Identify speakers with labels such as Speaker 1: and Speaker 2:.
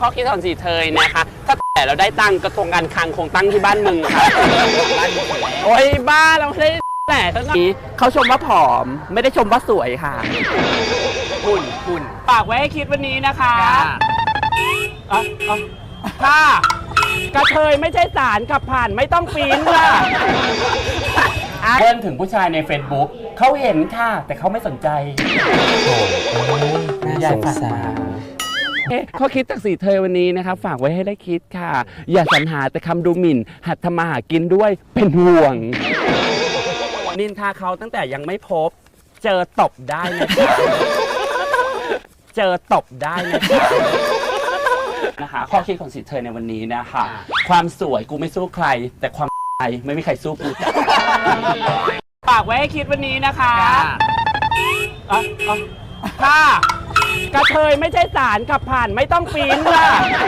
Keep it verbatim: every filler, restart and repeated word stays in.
Speaker 1: ข้อคิดของสีเทยนะคะถ้าแต่เราได้ตังค์กระทรวงการคลังคงตั้งที่บ้านมึงค่ะโอ้ยบ้าเราไม่ได้แต่ทั้งนี้เขาชมว่าผอมไม่ได้ชมว่าสวยค่ะหุ่นหุ่นฝากไว้ให้คิดวันนี้นะคะอ่ะอ่ะค่ะกระเทยไม่ใช่สารขับผ่านไม่ต้องปีนค่ะเพื่อนถึงผู้ชายใน Facebook เขาเห็นค่ะแต่เขาไม่สนใจ
Speaker 2: น่าสงสาร
Speaker 1: ข้อคิดจากสีเทยวันนี้นะครับฝากไว้ให้ได้คิดค่ะอย่าสรรหาแต่คำดูหมิ่นหัดทำมาหากินด้วยเป็นห่วงนินทาเขาตั้งแต่ยังไม่พบเจอตบได้นะคะเจอตบได้นะคะนะคะข้อคิดของสีเทยในวันนี้นะคะความสวยกูไม่สู้ใครแต่ความไม่มีใครสู้กูจ้ะฝากไว้ให้คิดวันนี้นะคะอ่ะอ่ะค่ะกระเทยไม่ใช่สารขับผ่านไม่ต้องปีนค่ะ